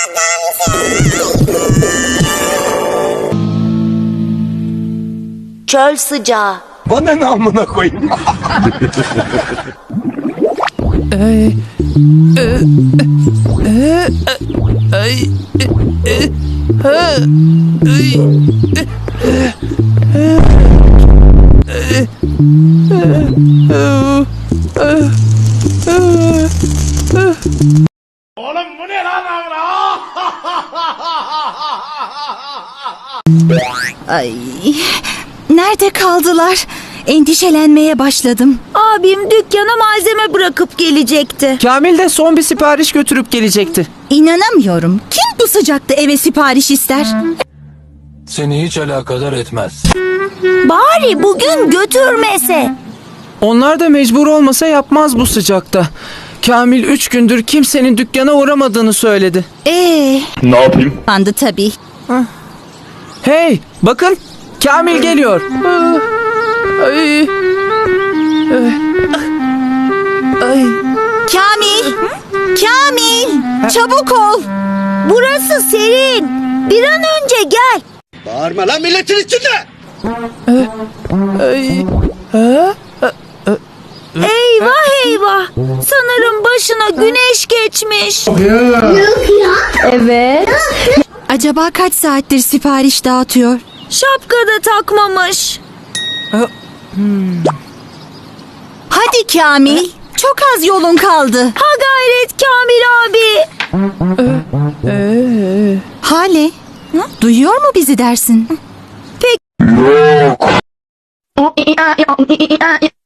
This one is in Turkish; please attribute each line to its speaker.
Speaker 1: Çöl sıcağı.
Speaker 2: Bana ne amına koyayım?
Speaker 3: Oğlum bu ne lan amına?
Speaker 4: Ay, nerede kaldılar? Endişelenmeye başladım.
Speaker 1: Abim dükkana malzeme bırakıp gelecekti.
Speaker 5: Kamil de son bir sipariş götürüp gelecekti.
Speaker 4: İnanamıyorum. Kim bu sıcakta eve sipariş ister?
Speaker 2: Seni hiç alakadar etmez.
Speaker 1: Bari bugün götürmese.
Speaker 5: Onlar da mecbur olmasa yapmaz bu sıcakta. Kamil 3 gündür kimsenin dükkana uğramadığını söyledi.
Speaker 2: Ne yapayım?
Speaker 4: Bandı tabii.
Speaker 5: Hey, bakın Kamil geliyor. Ay. Ay.
Speaker 4: Kamil! Kamil! Çabuk ol!
Speaker 1: Burası serin. Bir an önce gel.
Speaker 3: Bağırma lan milletin içinde.
Speaker 5: Ay.
Speaker 1: Eyvah eyvah. Sanırım başına güneş geçmiş.
Speaker 4: Acaba kaç saattir sipariş dağıtıyor?
Speaker 1: Şapka da takmamış.
Speaker 4: Hadi Kamil! Çok az yolun kaldı.
Speaker 1: Ha gayret Kamil abi.
Speaker 4: Hale, duyuyor mu bizi dersin?
Speaker 1: Pek...